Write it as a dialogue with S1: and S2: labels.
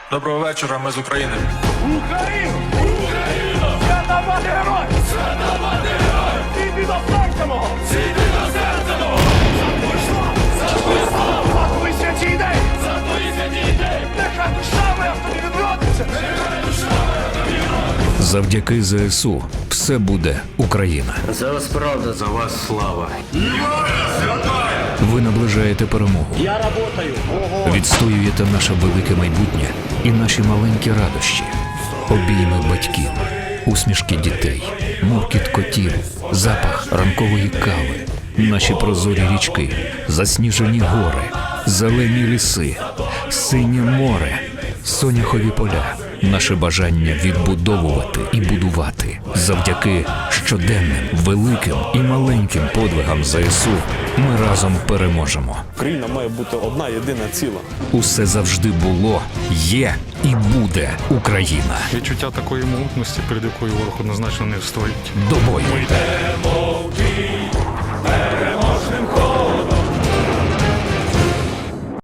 S1: Доброго вечора, ми з України.
S2: Україну! Україну! Свята мати герой! Свята мати герой! Зійди до серця мого! Зійди до серця мого! За твою славу! За твою славу! За твої святі ідеї! За твої святі ідеї! Нехай душа моя в тобі відродиться! Нехай душа моя в тобі відродиться!
S3: Завдяки ЗСУ все буде Україна.
S4: За вас правда, за вас слава.
S3: Ви наближаєте перемогу.
S4: Я работаю.
S3: Відстоюєте наше велике майбутнє і наші маленькі радощі. Обійми батьків, усмішки дітей, муркіт котів, запах ранкової кави, наші прозорі річки, засніжені гори, зелені ліси, синє море, соняхові поля. Наше бажання відбудовувати і будувати. Завдяки щоденним, великим і маленьким подвигам ЗСУ ми разом переможемо.
S5: Україна має бути одна єдина ціла.
S3: Усе завжди було, є і буде Україна.
S6: Відчуття такої могутності, перед якою ворог однозначно не встоїть.
S3: До бою!
S2: Йдемо в бій!